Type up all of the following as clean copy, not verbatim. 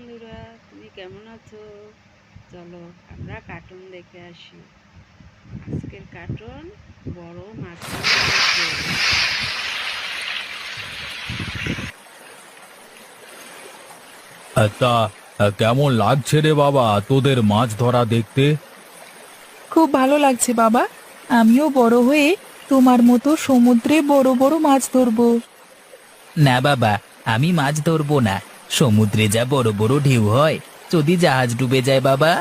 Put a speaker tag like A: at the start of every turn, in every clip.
A: বন্ধুরা, তুমি কেমন আছো? চলো আমরা কার্টুন দেখে আসি। আজকের কার্টুন বড় মাছের গল্প।
B: তা কেমন লাগছে রে বাবা তোদের মাছ ধরা দেখতে?
C: খুব ভালো লাগছে বাবা। আমিও বড় হয়ে তোমার মতো সমুদ্রে বড় বড় মাছ ধরবো।
D: না বাবা, আমি মাছ ধরবো না। সমুদ্রে যা বড় বড় ঢেউ হয়, যদি জাহাজ ডুবে যায় বাবা।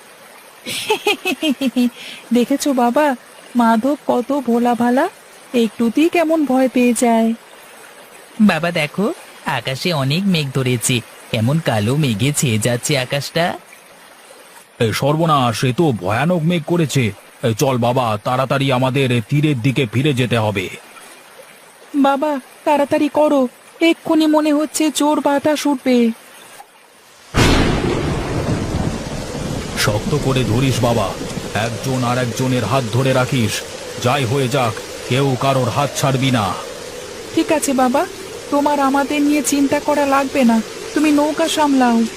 C: দেখেছো বাবা, মাধব কত ভোলা ভালা, একটুতেই কেমন ভয় পেয়ে যায়।
D: বাবা দেখো, আকাশে অনেক মেঘ ধরেছে, কেমন কালো মেঘে ছেয়ে যাচ্ছে আকাশটা।
B: সর্বনাশ, এ তো ভয়ানক মেঘ করেছে। চল বাবা, তাড়াতাড়ি আমাদের তীরের দিকে ফিরে যেতে হবে।
C: বাবা তাড়াতাড়ি করো, এক্ষুনি মনে হচ্ছে জোর বাতাস উঠবে।
B: শক্ত করে ধরিস বাবা, একজন আর একজনের হাত ধরে রাখিস। যাই হয়ে যাক, কেউ কারোর হাত ছাড়বি না।
C: ঠিক আছে বাবা, তোমার আমাদের নিয়ে চিন্তা করা লাগবে না, তুমি নৌকা সামলাও।